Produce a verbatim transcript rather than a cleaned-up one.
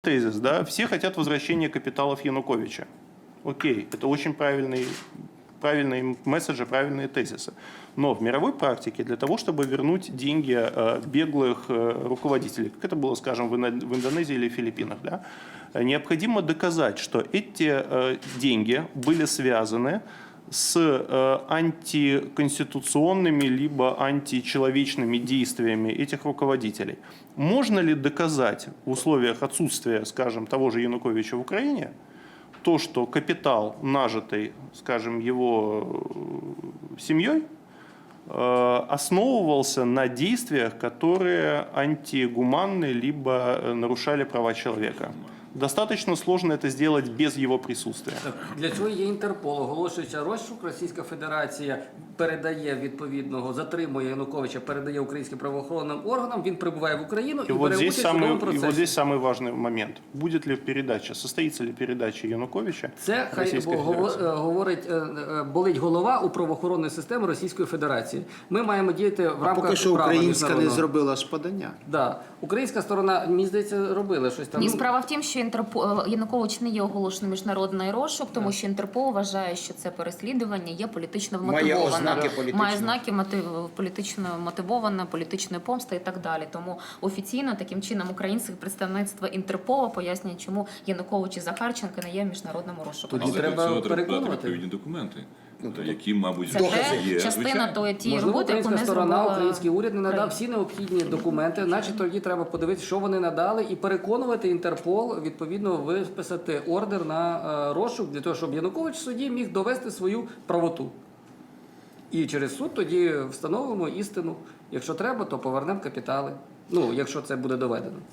тезис, да, все хотят возвращения капиталов Януковича. Окей, это очень правильный, правильные месседжи, правильные тезисы. Но в мировой практике для того, чтобы вернуть деньги э, беглых э, руководителей, как это было, скажем, в, Ино- в Индонезии или Филиппинах, да, необходимо доказать, что эти э, деньги были связаны с э, антиконституционными либо античеловечными действиями этих руководителей. Можно ли доказать в условиях отсутствия, скажем, того же Януковича в Украине, то, что капитал, нажитый, скажем, его э, семьей, э, основывался на действиях, которые антигуманны либо э, нарушали права человека? Достаточно сложно это сделать без его присутствия. Для цього є Інтерпол. Оголошується розшук, Російська Федерація передає відповідного, затримує Януковича, передає українським правоохоронним органам, він прибуває в Україну і, И вот, бере здесь участь у самый, судовому и процесі. вот здесь самый важный момент. Будет ли передача, состоится ли передача Януковича Це хай Російської бо- гово- Федерації? е, говорить, е, е, болить голова у правоохоронної системи Російської Федерації. Ми маємо діяти в А рамках поки що права українська не міжнародного. зробила ж подання. Да. Українська сторона, мені здається, робила щось там. Ні, Ну, справа в тім, що Інтерпол Янукович не є оголошений міжнародний розшук, тому що Інтерпол вважає, що це переслідування є політично Має вмотивоване. ознаки політичного. Має знаки мотив... політично мотивоване, політичної помсти і так далі. Тому офіційно таким чином українське представництво Інтерпола пояснює, чому Янукович і Захарченко не є в міжнародному розшуку. Тоді Але треба для цього треба переконувати. подати відповідні документи, які, мабуть, Це вже те, є. частина звичайно. тої тієї Можливо, роботи, яку українська не сторона, зробила український уряд не надав Україна. всі необхідні документи, значить тоді треба подивитися, що вони надали, і переконувати Інтерпол, відповідно, виписати ордер на е, розшук, для того, щоб Янукович в суді міг довести свою правоту. І через суд тоді встановимо істину. Якщо треба, то повернемо капітали. Ну, якщо це буде доведено.